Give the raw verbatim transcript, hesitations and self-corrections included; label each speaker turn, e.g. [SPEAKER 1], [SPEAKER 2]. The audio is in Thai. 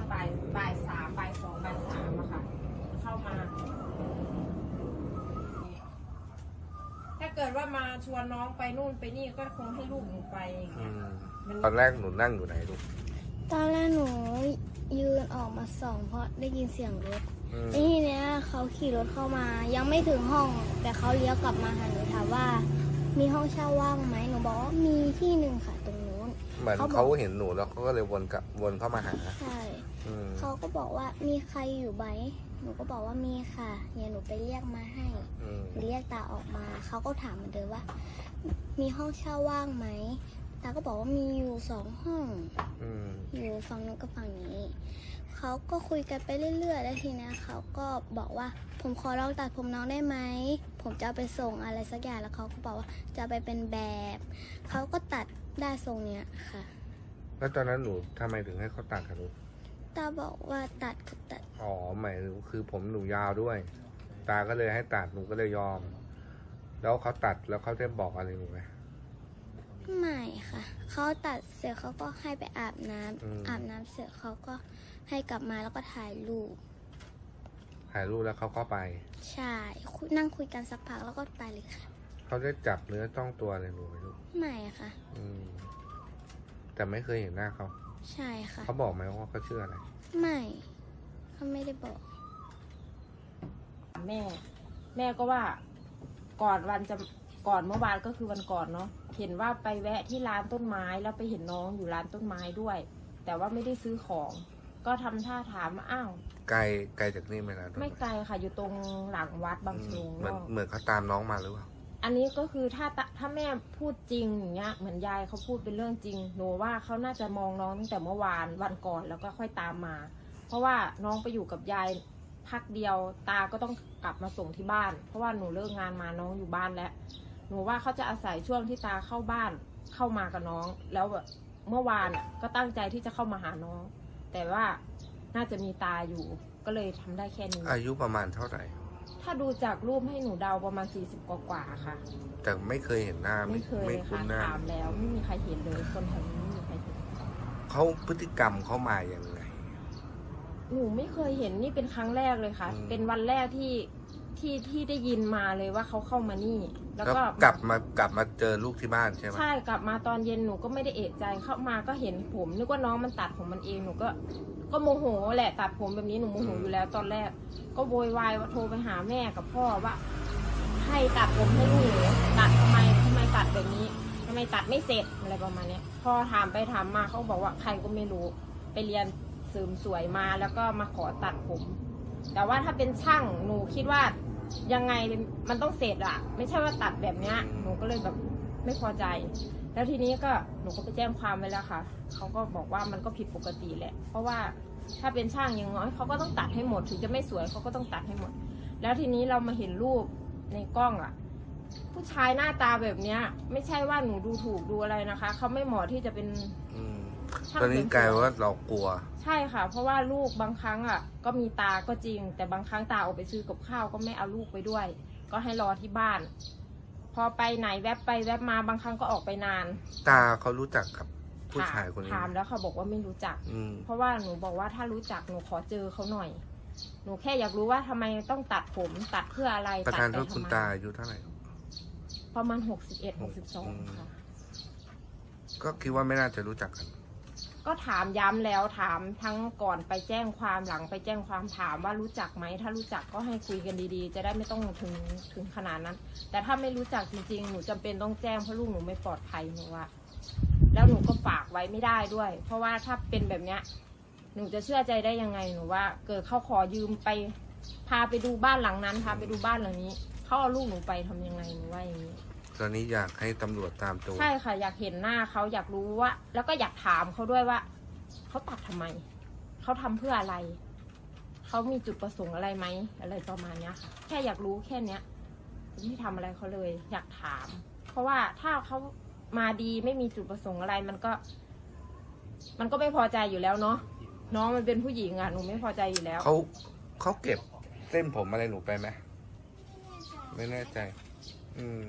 [SPEAKER 1] บ่ายบ่ายสามบ่ายสองบ่ายสามอะค่ะเข้ามาถ้าเกิดว่ามาชวนน้องไปนู่นไปนี่ก็คงให้ลูกหนูไปอย่างเงี้ย
[SPEAKER 2] ตอนแรกหนูนั่งอยู่ไหนลูก
[SPEAKER 3] ตอนแรกหนูยืนออกมาส่องเพราะได้ยินเสียงรถทีเนี้ยเขาขี่รถเข้ามายังไม่ถึงห้องแต่เขาเลี้ยวกลับมาหาหนูถามว่ามีห้องเช่าว่างไหมหนูบอกว่ามีที่หนึ่งค่ะตรงนู้น
[SPEAKER 2] เหมือนเขาเห็นหนูแล้วเขาก็เลยวนกลับวนเข้ามาหา
[SPEAKER 3] ใช่เขาก็บอกว่ามีใครอยู่ไหมหนูก็บอกว่ามีค่ะเนี่ยหนูไปเรียกมาให้หนูเรียกตาออกมาเขาก็ถามเหมือนเดิมว่ามีห้องเช่าว่างไหมตาก็บอกว่ามีอยู่สองห้องอยู่ฝั่งนู้นกับฝั่งนี้เขาก็คุยกันไปเรื่อยๆแล้วทีนี้เขาก็บอกว่าผมขอลองตัดผมน้องได้ไหมผมจะเอาไปส่งอะไรสักอย่างแล้วเขาก็บอกว่าจะไปเป็นแบบเขาก็ตัดได้ทรงเนี้ยค่ะ
[SPEAKER 2] แล้วตอนนั้นหนูทำไมถึงให้เขาตัดคะลูก
[SPEAKER 3] ตาบอกว่าตัดก็ตัด
[SPEAKER 2] อ๋อหมายถึงคือผมหนูยาวด้วยตาก็เลยให้ตัดหนูก็เลยยอมแล้วเขาตัดแล้วเขาได้บอกอะไรหนูไหม
[SPEAKER 3] ไม่ค่ะเขาตัดเสร็จเขาก็ให้ไปอาบน้ำอาบน้ำเสร็จเขาก็ให้กลับมาแล้วก็ถ่ายรูป
[SPEAKER 2] ถ่ายรูปแล้วเขาก็ไป
[SPEAKER 3] ใช่นั่งคุยกันสักพักแล้วก็ไปเลยค่ะ
[SPEAKER 2] เขาได้จับเนื้อต้องตัวอะไรหนูไหมลูก
[SPEAKER 3] ไม่ค่ะ
[SPEAKER 2] อืมแต่ไม่เคยเห็นหน้าเขา
[SPEAKER 3] ใช่ค่ะ
[SPEAKER 2] เขาบอกไหมว่าเขาชื่ออะไร
[SPEAKER 3] ไม่เขาไม่ได้บอก
[SPEAKER 1] แม่แม่ก็ว่าก่อนวันจะก่อนเมื่อวานก็คือวันก่อนเนาะเห็นว่าไปแวะที่ร้านต้นไม้แล้วไปเห็นน้องอยู่ร้านต้นไม้ด้วยแต่ว่าไม่ได้ซื้อของก็ทำท่าถามอ้าว
[SPEAKER 2] ไกลไกลจากนี่ไหมนะ
[SPEAKER 1] ไม่ไกลค่ะอยู่ตรงหลังวัดบางชง
[SPEAKER 2] เหมือนเหมือนเขาตามน้องมาหรือเปล่า
[SPEAKER 1] อันนี้ก็คือถ้าถ้าแม่พูดจริงอย่างเงี้ยเหมือนยายเขาพูดเป็นเรื่องจริงหนูว่าเขาน่าจะมองน้องตั้งแต่เมื่อวานวันก่อนแล้วก็ค่อยตามมาเพราะว่าน้องไปอยู่กับยายพักเดียวตาก็ต้องกลับมาส่งที่บ้านเพราะว่าหนูเลิกงานมาน้องอยู่บ้านแล้วหนูว่าเขาจะอาศัยช่วงที่ตาเข้าบ้านเข้ามากับน้องแล้วแบบเมื่อวานก็ตั้งใจที่จะเข้ามาหาน้องแต่ว่าน่าจะมีตาอยู่ก็เลยทำได้แค่นี้
[SPEAKER 2] อายุประมาณเท่าไหร่
[SPEAKER 1] ถ้าดูจากรูปให้หนูเดาประมาณสี่สิบกว่าๆค่ะ
[SPEAKER 2] แต่ไม่เคยเห็นหน้า
[SPEAKER 1] ไม่เคยค่ะถามแล้วไม่มีใครเห็นเลยคนแถวนี้ไม่มีใครเห็น
[SPEAKER 2] เขาพฤติกรรมเขามาอย่างไร
[SPEAKER 1] หนูไม่เคยเห็นนี่เป็นครั้งแรกเลยค่ะเป็นวันแรกที่ที่ที่ได้ยินมาเลยว่าเขาเข้ามานี่
[SPEAKER 2] แล้วก็กลับมากลับมาเจอลูกที่บ้านใช่ไหม
[SPEAKER 1] ใช่กลับมาตอนเย็นหนูก็ไม่ได้เอะใจเข้ามาก็เห็นผมนึกว่าน้องมันตัดผมมันเองหนูก็ก็โมโหแหละตัดผมแบบนี้หนูโมโหอยู่แล้วตอนแรกก็โวยวายว่าโทรไปหาแม่กับพ่อว่าให้ตัดผมให้ลูกตัดทำไมทำไมตัดแบบนี้ทำไมตัดไม่เสร็จอะไรประมาณนี้พอถามไปถามมาเขาบอกว่าใครก็ไม่รู้ไปเรียนเสริมสวยมาแล้วก็มาขอตัดผมแต่ว่าถ้าเป็นช่างหนูคิดว่ายังไงมันต้องเสร็จอะไม่ใช่ว่าตัดแบบเนี้ยหนูก็เลยแบบไม่พอใจแล้วทีนี้ก็หนูก็ไปแจ้งความไว้แล้วค่ะเขาก็บอกว่ามันก็ผิดปกติแหละเพราะว่าถ้าเป็นช่างอย่างน้อยเขาก็ต้องตัดให้หมดถึงจะไม่สวยเขาก็ต้องตัดให้หมดแล้วทีนี้เรามาเห็นรูปในกล้องอะผู้ชายหน้าตาแบบเนี้ยไม่ใช่ว่าหนูดูถูกดูอะไรนะคะเขาไม่เหมาะที่จะเป็น
[SPEAKER 2] ตอนนี้กลายว่าเรากลัว
[SPEAKER 1] ใช่ค่ะเพราะว่าลูกบางครั้งอ่ะก็มีตาก็จริงแต่บางครั้งตาออกไปซื้อกับข้าวก็ไม่เอาลูกไปด้วยก็ให้รอที่บ้านพอไปไหนแวบไปแวบมาบางครั้งก็ออกไปนาน
[SPEAKER 2] ตาเขารู้จักกับผู้ชายคนนี้
[SPEAKER 1] ถามแล้วเขาบอกว่าไม่รู้จักเพราะว่าหนูบอกว่าถ้ารู้จักหนูขอเจอเขาหน่อยหนูแค่อยากรู้ว่าทำไมต้องตัดผมตัดเพื่ออะไร
[SPEAKER 2] ประธานโทษคุณตาอายุเท่าไหร่
[SPEAKER 1] ประมาณหกสิบเอ็ดหกสิบสองค่ะ
[SPEAKER 2] ก็คิดว่าไม่น่าจะรู้จักกัน
[SPEAKER 1] ก็ถามย้ำแล้วถามทั้งก่อนไปแจ้งความหลังไปแจ้งความถามว่ารู้จักไหมถ้ารู้จักก็ให้คุยกันดีๆจะได้ไม่ต้องถึงถึงขนาดนั้นแต่ถ้าไม่รู้จักจริงๆหนูจำเป็นต้องแจ้งเพราะลูกหนูไม่ปลอดภัยหนูว่าแล้วหนูก็ฝากไว้ไม่ได้ด้วยเพราะว่าถ้าเป็นแบบเนี้ยหนูจะเชื่อใจได้ยังไงหนูว่าเกิดเขาขอยืมไปพาไปดูบ้านหลังนั้นพาไปดูบ้านหลังนี้เขาเอาลูกหนูไปทำยังไงหนูว่าอย่างนี้
[SPEAKER 2] ตอนนี้อยากให้ตำรวจตามตัว
[SPEAKER 1] ใช่ค่ะอยากเห็นหน้าเขาอยากรู้ว่าแล้วก็อยากถามเขาด้วยว่าเขาตัดทำไมเขาทำเพื่ออะไรเขามีจุดประสงค์อะไรไหมอะไรประมาณนี้ค่ะแค่อยากรู้แค่เนี้ยไม่ทำอะไรเขาเลยอยากถามเพราะว่าถ้าเขามาดีไม่มีจุดประสงค์อะไรมันก็มันก็ไม่พอใจอยู่แล้วเนาะน้องมันเป็นผู้หญิงอ่ะหนูไม่พอใจอยู่แล้ว
[SPEAKER 2] เขาเขาเก็บเส้นผมอะไรหนูไปไหมไม่แน่ใจอืม